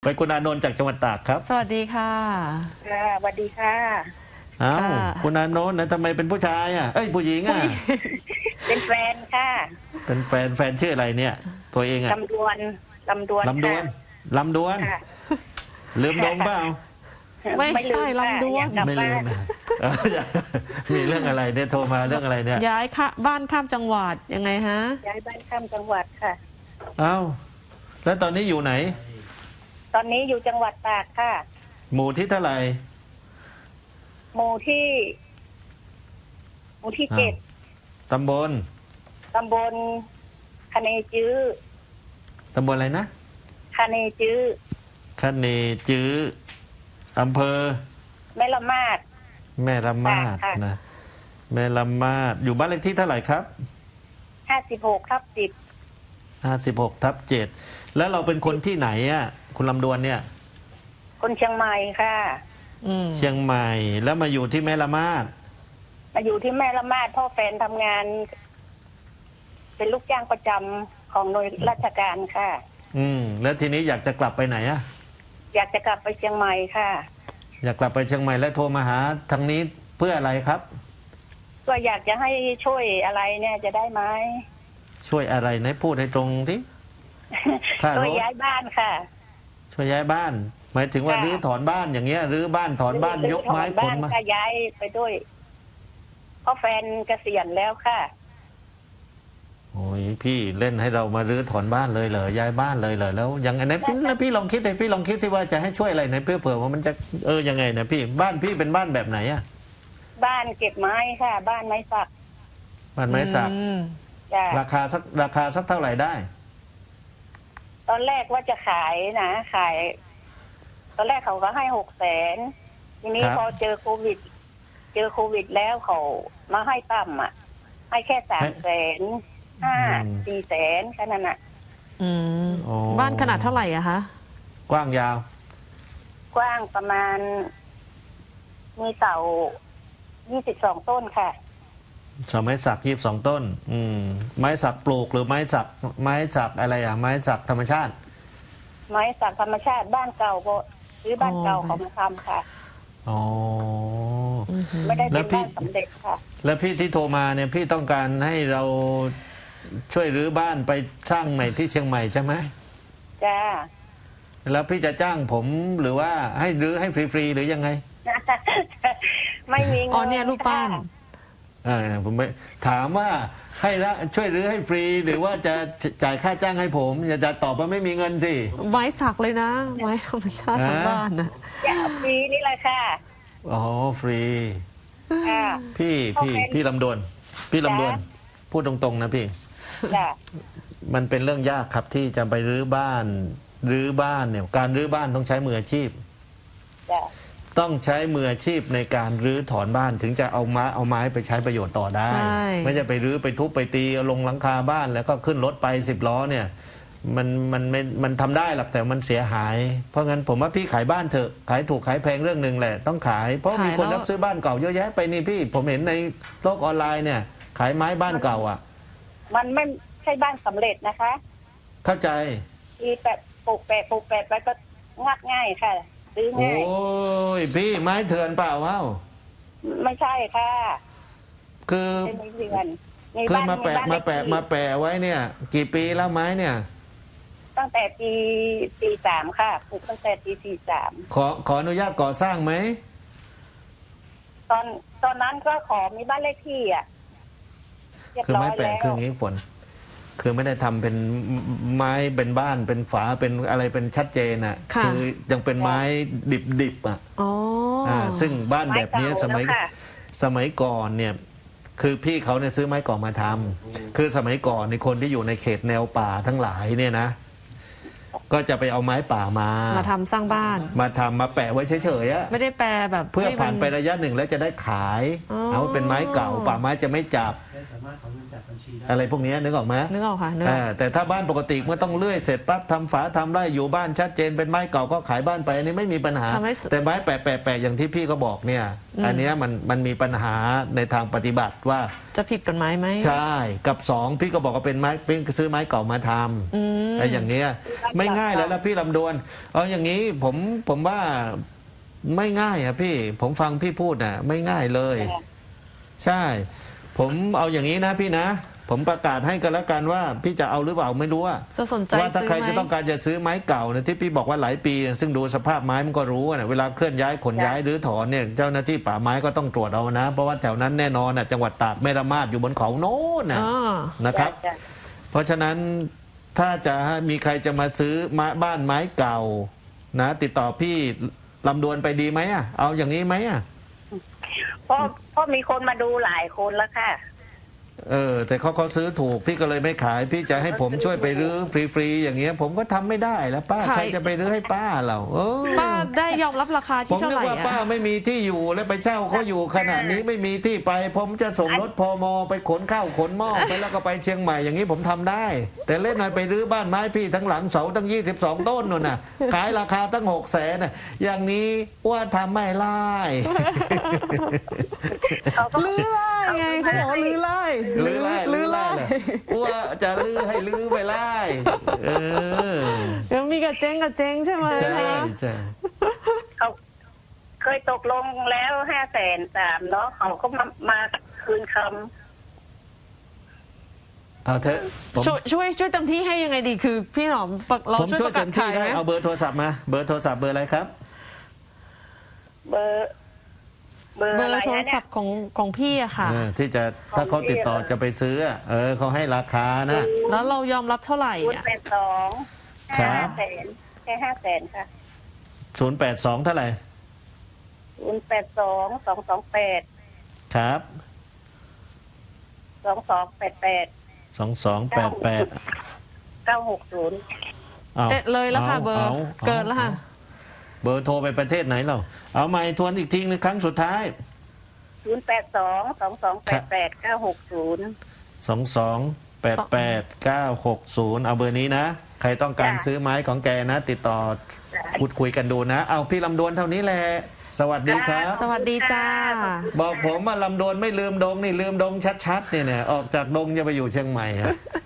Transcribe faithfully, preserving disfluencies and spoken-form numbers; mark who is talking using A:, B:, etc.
A: ไปคุณอานนท์จากจังหวัดตากครับ
B: สวัสดีค่ะ
C: ค่ะสวัสดีค่ะ
A: อ้าวคุณอานนท์นะทำไมเป็นผู้ชายอ่ะเอ้ยผู้หญิงอ่ะ
C: เป็นแฟนค่ะ
A: เป็นแฟนแฟนชื่ออะไรเนี่ย ตัวเองอ่ะ
C: ลำดวนลำดวน
A: ลำดวนลำดวนลืมดงเปล่า
B: ไม่ใช่ลำดวน
A: ไม่ลืมนะมีเรื่องอะไรเนี่ยโทรมาเรื่องอะไรเนี่ย
B: ย้ายค่ะบ้านข้ามจังหวัดยังไงฮะ
C: ย้ายบ้านข้ามจังหวัดค่ะ
A: อ้าวแล้วตอนนี้อยู่ไหน
C: ตอนนี้อยู่จังหวัดตากค่ะ
A: หมู่ที่เท่าไหร่
C: หมู่ที่หมู่ที่เจ็ด
A: ตำบล
C: ตำบลคะเนจื้อ
A: ตำบลอะไรนะ
C: คะเนจื้อ
A: คะเนจื้ออำเภอ
C: แม่ละมาด
A: แม่ละมาดนะแม่ละมาดอยู่บ้านเลขที่เท่าไหร่ครับ
C: ห้าสิบหกทับสิบ
A: ห้าสิบหกทับเจ็ดแล้วเราเป็นคนที่ไหนอ่ะคุณลำดวนเนี่ย
C: คนเชียงใหม่ค่ะ
A: เชียงใหม่แล้วมาอยู่ที่แม่ละมาด
C: มาอยู่ที่แม่ละมาดพ่อแฟนทำงานเป็นลูกจ้างประจำของหน่วยราชการค่ะ
A: อืมแล้วทีนี้อยากจะกลับไปไหนอ่ะ
C: อยากจะกลับไปเชียงใหม่ค่ะ
A: อยากกลับไปเชียงใหม่แล้วโทรมาหาทางนี้เพื่ออะไรครับ
C: ก็อยากจะให้ช่วยอะไรเนี่ยจะได้ไหม
A: ช่วยอะไรไหนพูดให้ตรงที่
C: ช่วยย้ายบ้านค่ะ
A: ช่วยย้ายบ้านหมายถึงว่ารื้อถอนบ้านอย่างเงี้ยรื้อบ้านถอนบ้านยกไม้ขนมา
C: ก็ย้ายไปด้วยเพราะแฟนเกษียณแล้วค่ะ
A: โอ้ยพี่เล่นให้เรามารื้อถอนบ้านเลยเหรอย้ายบ้านเลยเหรอแล้วยังไงนะพี่แล้วพี่ลองคิดเลยพี่ลองคิดสิว่าจะให้ช่วยอะไรไหนเพื่อเผื่อว่ามันจะเออยังไงนะพี่บ้านพี่เป็นบ้านแบบไหนอะ
C: บ้านเก็บไม้ค่ะบ้านไม้สัก
A: บ้านไม้สักราคาสักราคาสักเท่าไหร่ได้
C: ตอนแรกว่าจะขายนะขายตอนแรกเขาก็ให้หกแสนทีนี้พอเจอโควิดเจอโควิดแล้วเขามาให้ต่ำอ่ะให้แค่สามแสนห้าสี่แสนแค่นั้นอ่ะ
B: บ้านขนาดเท่าไหร่อะคะ
A: กว้างยาว
C: กว้างประมาณมีเสายี่สิบสองต้นค่ะ
A: เสาไม้สักยี่สิบสองต้นอืมไม้สักปลูกหรือไม้สักไม้สักอะไรอ่ะไม้สักธรรมชาติ
C: ไม้สักธรรมชาติบ้านเก่าก็หรือบ้านเก่าเขามาทำค่ะ
A: อ๋อ
C: ไม่ได้เป็นบ้านสำเร็จค่ะ
A: แล้วพี่ที่โทรมาเนี่ยพี่ต้องการให้เราช่วยรื้อบ้านไปสร้างใหม่ที่เชียงใหม่ใช่ไหม
C: จ้า
A: แล้วพี่จะจ้างผมหรือว่าให้รื้อให้ฟรีๆหรือยังไง
C: ไม่มีเงิน
B: อ๋อเนี่ยรูปปั้น
A: อ่าผมไม่ถามว่าให้ละช่วยรื้อให้ฟรีหรือว่าจะจ่ายค่าจ้างให้ผมอย่าจะตอบว่าไม่มีเงินสิ
B: ไม้สักเลยนะไม้ธรรมชาติทั้งบ้านนะ
C: ฟรีนี่แหละค่ะ
A: อ๋อฟรีพี่พี่พี่ลำดวนพี่ลำดวนพูดตรงๆนะพี่มันเป็นเรื่องยากครับที่จะไปรื้อบ้านรื้อบ้านเนี่ยการรื้อบ้านต้องใช้มืออาชีพต้องใช้มืออาชีพในการรื้อถอนบ้านถึงจะเอาไม้เอาไม้ไปใช้ประโยชน์ต่อได้ไม่ใช่ไปรื้อไปทุบไปตีเอาลงหลังคาบ้านแล้วก็ขึ้นรถไปสิบล้อเนี่ยมันมันไม่มันทำได้หรอกแต่มันเสียหายเพราะงั้นผมว่าพี่ขายบ้านเถอะขายถูกขายแพงเรื่องหนึ่งแหละต้องขายเพราะมีคนรับซื้อบ้านเก่าเยอะแยะไปนี่พี่ผมเห็นในโลกออนไลน์เนี่ยขายไม้บ้านเก่าอ่ะ
C: มันไม่ใช่บ้านสำเร็จนะคะ
A: เข้าใจ
C: ที่แปะปลูกแปะปลูกแปะไปก็งัดง่ายค่ะซื้อง่าย
A: โอ้ยพี่ไม้เถื่อนเปล่าเอ้า
C: ไม่ใช่ค่ะ
A: คือคือมาแปะมาแปะมาแปะไว้เนี่ยกี่ปีแล้วไม้เนี่ย
C: ตั้งแต่ปีสี่สามค่ะปลูกตั้งแต่ปีสี่สาม
A: ขอขออนุญาตก่อสร้างไหม
C: ตอนตอนนั้นก็ขอมีบ้านเลขที่อ่ะ
A: คือไม้แปะคืออย่างนี้ฝนคือไม่ได้ทำเป็นไม้เป็นบ้านเป็นฝาเป็นอะไรเป็นชัดเจนอ่ะคือยังเป็นไม้ดิบๆอ่ะอ๋อซึ่งบ้านแบบนี้สมัยสมัยก่อนเนี่ยคือพี่เขาเนี่ยซื้อไม้ก่อมาทำคือสมัยก่อนในคนที่อยู่ในเขตแนวป่าทั้งหลายเนี่ยนะก็จะไปเอาไม้ป่ามา
B: มาทำสร้างบ้าน
A: มาทำมาแปะไว้เฉยๆอะ
B: ไม่ได้แปะแบบ
A: เพื่อผ่านไประยะหนึ่งแล้วจะได้ขายเอาเป็นไม้เก่าป่าไม้จะไม่จับ
D: สามารถขอเงินจากบัญชีได้
A: อะไรพวกเนี้ยนึกออกไหม
B: นึกออกค่ะนึกออก
A: อ่าแต่ถ้าบ้านปกติเมื่อต้องเลื่อยเสร็จปั๊บทำฝาทำไร่อยู่บ้านชัดเจนเป็นไม้เก่าก็ขายบ้านไปอันนี้ไม่มีปัญหา
B: ทำให้
A: แต่ไม้แปะแปะแปะอย่างที่พี่ก็บอกเนี่ย
B: อืม
A: อันเนี้ยมันมันมีปัญหาในทางปฏิบัติว่า
B: จะผิดกฎหมายไหม
A: ใช่กับสองพี่ก็บอกว่าเป็นไม้เป็นซื้อไม้เก่ามาท
B: อืม
A: ำไอ้อย่างเงี้ยไม่ง่ายแล้วนะพี่ลำดวนเอาอย่างนี้ผมผมว่าไม่ง่ายอะพี่ผมฟังพี่พูดน่ะไม่ง่ายเลย ใช่ ผมเอาอย่างนี้นะพี่นะ ผมประกาศให้กันแล้วกันว่า พี่จะเอาหรือเปล่าไม่รู้ว่า
B: จะสนใจ
A: ว่าถ้า
B: ซื้อ
A: ใคร
B: ไหม
A: จะต้องการจะซื้อไม้เก่าเนี่ยที่พี่บอกว่าหลายปี ซึ่งดูสภาพไม้มันก็รู้นะเวลาเคลื่อนย้ายขนย้ายหรือถอนเนี่ยเจ้าหน้าที่ป่าไม้ก็ต้องตรวจเอานะ เพราะว่าแถวนั้นแน่นอนนะจังหวัดตากแม่ละมาดอยู่บนเขาโน้นนะ
B: อ๋อ
A: นะครับ
C: จ้ะ
A: เพราะฉะนั้นถ้าจะมีใครจะมาซื้อไม้บ้านไม้เก่านะ ติดต่อพี่ลำดวนไปดีไหมอ่ะเอาอย่างนี้ไหมอ่ะ
C: เพราะเพราะมีคนมาดูหลายคนแล้วค่ะ
A: เออแต่เขาเขาซื้อถูกพี่ก็เลยไม่ขาย พี่จะให้ผมช่วยไปรื้อฟรีๆอย่างเงี้ย ผมก็ทำไม่ได้แล้วป้า
B: ใคร
A: ใครจะไปรื้อให้ป้าเราเออ
B: ป้าได้ยอมรับราคา
A: ผ
B: ที่
A: ม
B: เท่า
A: นึ
B: ไห
A: ก
B: ร่
A: ว่าป้า
B: อะ
A: ไม่มีที่อยู่แล้วไปเช่าเขาอยู่ขนาดนี้ไม่มีที่ไป ผมจะส่งรถพมไปขนข้าวขนหม้อไปแล้วก็ไปเชียงใหม่อย่างนี้ผมทำได้ แต่เล่นหน่อยไปรื้อบ้านไม้พี่ทั้งหลังเสาตั้งยี่สิบสองต้นนู่นน่ะขายราคาตั้งหกแสนน่ะอย่างนี้ว่าทำไม่ไล่
C: เขาก็
B: ลื้อไล่ไงเขาบอกว่าลื้อไล่
A: ลื้อไล่ลื้อไล่เหรอว่าจะลื้อให้ลื้อไปไล่เออ
B: ยังมีกับเจ๊งกับเจ๊งใช่ไหม
A: ใช่
B: คะ
A: ใช่
C: เขาเคยตกลงแล้วห้าแสนสามเนาะเขาก็มามาคืนค
A: เอาเถอะผม
B: ช่วยช่วยช่วยเต็มที่ให้ยังไงดีคือ พี่หนอมฝากเรา
A: ผม
B: ช่วย
A: ช่ว
B: ป
A: ย
B: ระกา
A: เต็
B: ศ
A: มที่
B: ขาย
A: ได้
B: ไหม
A: เอาเบอร์โทรศัพท์มาเบอร์โทรศัพท์เบอร์อะไรครับ
C: ำเบอร์ เบอร์
B: เบอ
C: อะไร
B: ร์โทร
C: นะเนี่
B: ศั
C: ย
B: พท์ของของพี่อะค่ะ
A: เออที่จะถ้าเขาติดต่อจะไปซื้ออะเออเขาให้ราคานะ
B: แล้วเรายอมรับเท่าไหร่
C: ศูนย์
B: อะ
C: แปดสอง
A: ครั
C: ห้า
A: บ
C: แสนแค่ห้าแสนค่ะ
A: ศูนย์แปดสองเท่าไหร่
C: ศูนย์แปดสองสองสองแปด
A: ครับ
C: สองสองแปดแปด
A: สองสองแปดแปด
C: เก้าหกศูนย์
B: เด็ดเลยแล้วค่ะเบอร์เกินแล้วค่ะ
A: เบอร์โทรไปประเทศไหนเราเอาใหม่ทวนอีกทีนึงครั้งสุดท้าย
C: ศูนย์แปดสองสองสองแปดแปดเก้าหกศูนย์
A: สองสองแปดแปดเก้าหกศูนย์เอาเบอร์นี้นะ ใครต้องการ
C: จ้ะ
A: ซื้อไม้ของแกนะ ติดต่อพูดคุยกันดูนะ เอาพี่ลำดวนเท่านี้แหละ สวัสดีครับ
B: สวัสดีจ้า
A: บอกผมว่าลำดวนไม่ลืมดงนี่ลืมดงชัดๆเนี่ยเนี่ยออกจากดงจะไปอยู่เชียงใหม่อะ